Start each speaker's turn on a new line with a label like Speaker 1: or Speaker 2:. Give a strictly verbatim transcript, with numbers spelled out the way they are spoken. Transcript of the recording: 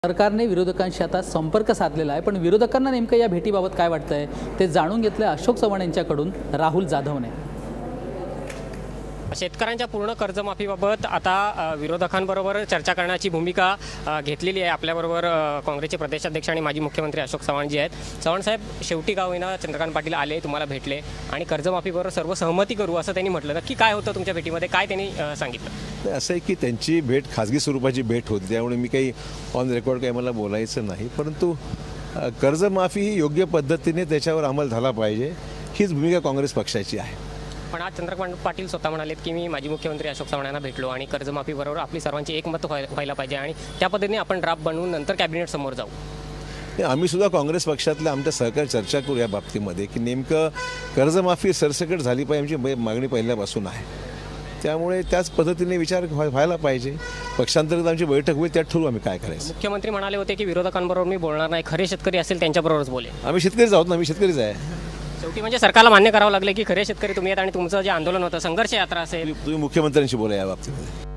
Speaker 1: सरकारने विरोधकांशी आता संपर्क साधलेला आहे, पण विरोधकांना नेमकं या भेटीबाबत काय वाटतंय ते जाणून घेतलं अशोक चव्हाण यांच्याकडून राहुल जाधवने।
Speaker 2: शेतकऱ्यांच्या पूर्ण कर्जमाफीबाबत आता अ, विरोधकांबरोबर चर्चा करण्याची भूमिका अ, घेतलेली आहे। आपल्याबरोबर अ, काँग्रेसचे प्रदेशाध्यक्ष आणि माजी मुख्यमंत्री अशोक चव्हाणजी आहेत। चव्हाण साहेब, शेवटी का होईना चंद्रकांत पाटील आले, तुम्हाला भेटले आणि कर्जमाफीबरोबर सर्व सहमती करू असं त्यांनी म्हटलं। नक्की काय होतं तुमच्या भेटीमध्ये, काय त्यांनी अ, सांगितलं?
Speaker 3: नाही, असं आहे की त्यांची भेट खाजगी स्वरूपाची भेट होती, त्यामुळे मी काही ऑन रेकॉर्ड काही मला बोलायचं नाही, परंतु अ, कर्जमाफी ही योग्य पद्धतीने त्याच्यावर अंमल झाला पाहिजे, हीच भूमिका काँग्रेस पक्षाची आहे।
Speaker 2: पण आज चंद्रकांत पाटील स्वतः म्हणालेत की मी माजी मुख्यमंत्री अशोक चव्हाण यांना भेटलो आणि कर्जमाफीबरोबर आपली सर्वांची एकमत व्हाय व्हायला पाहिजे आणि त्या पद्धतीने आपण ड्राफ्ट बनवून नंतर कॅबिनेट समोर जाऊ।
Speaker 3: नाही, आम्ही सुद्धा काँग्रेस पक्षातल्या आमच्या सहकारी चर्चा करू या बाबतीमध्ये की नेमकं कर्जमाफी सरसकट झाली पाहिजे, आमची मागणी पहिल्यापासून आहे, त्यामुळे त्याच पद्धतीने विचार व्हाय व्हायला पाहिजे। पक्षांतर्गत आमची बैठक होईल, त्यात ठरवू आम्ही काय करायचं।
Speaker 2: मुख्यमंत्री म्हणाले होते की विरोधकांबरोबर मी बोलणार नाही, खरे शेतकरी असेल त्यांच्याबरोबरच बोले।
Speaker 3: आम्ही शेतकरीच आहोत ना, आम्ही शेतकरीच आहे।
Speaker 2: शेवटी म्हणजे सरकारला मान्य करावं लागलं की खरे शेतकरी तुम्ही आहेत आणि तुमचं जे आंदोलन होतं, संघर्ष यात्रा असेल,
Speaker 3: तुम्ही मुख्यमंत्र्यांशी बोला या बाबतीमध्ये।